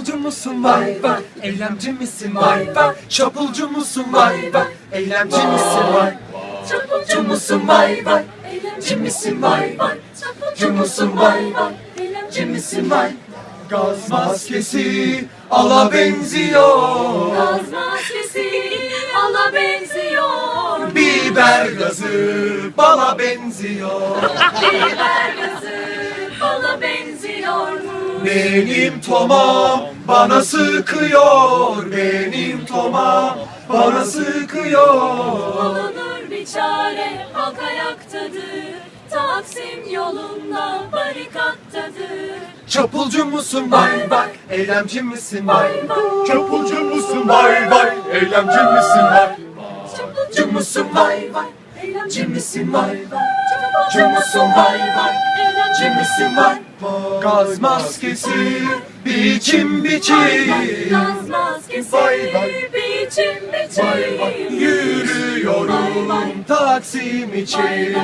Çapulcu musun vay vay, eylemci misin vay vay? Çapulcu musun vay vay, eylemci misin vay? Çapulcu musun vay vay, eylemci misin vay vay? Çapulcu musun vay vay, eylemci misin vay? Gaz maskesi ala benziyor, Gaz maskesi ala benziyor. biber gazı bala benziyor. Biber gazı bala benziyor mu? Benim tomam bana sıkıyor, benim tomam bana sıkıyor. Bulunur bir çare, halk ayaktadır. Taksim yolunda barikattadır. Çapulcu musun vay vay, eylemci misin vay vay? Çapulcu musun vay vay, eylemci misin vay? Çapulcu musun vay vay, eylemci misin vay vay? Çapulcu musun vay vay, eylemci misin vay? Gaz maskesi biçim biçim, Gaz maskesi Vay vay. biçim biçim. yürüyorum Taksim için.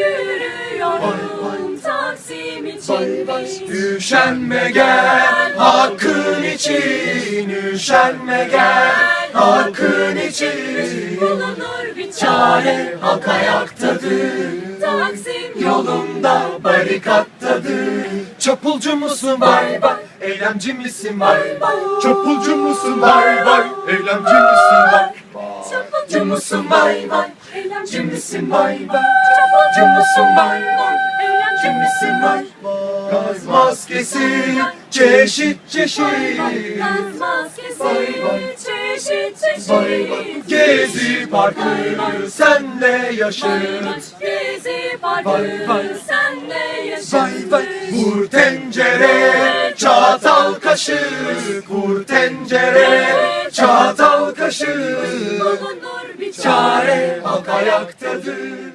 Yürüyorum Taksim için. Üşenme gel hakkın için, üşenme gel hakkın için. Bulunur bir Çare halk ayaktadır, Taksim yolunda barikattadır. Çapulcu musun vay vay, eylemci misin vay vay? Çapulcu musun vay vay, eylemci misin vay? Çapulcu musun vay vay, eylemci misin vay vay? Çapulcu Çapulcu musun vay vay, eylemci misin vay? Gaz maskesi çeşit çeşit, Gaz maskesi Vay vay. çeşit vay vay. çeşit. Gezi parkı senle yaşıt. Gezi parkı Vay vay. senle yaşasın. Vay vay. Vur tencere çatal kaşık, vur tencere çatal kaşık. Bulunur bir Çare halk ayaktadır,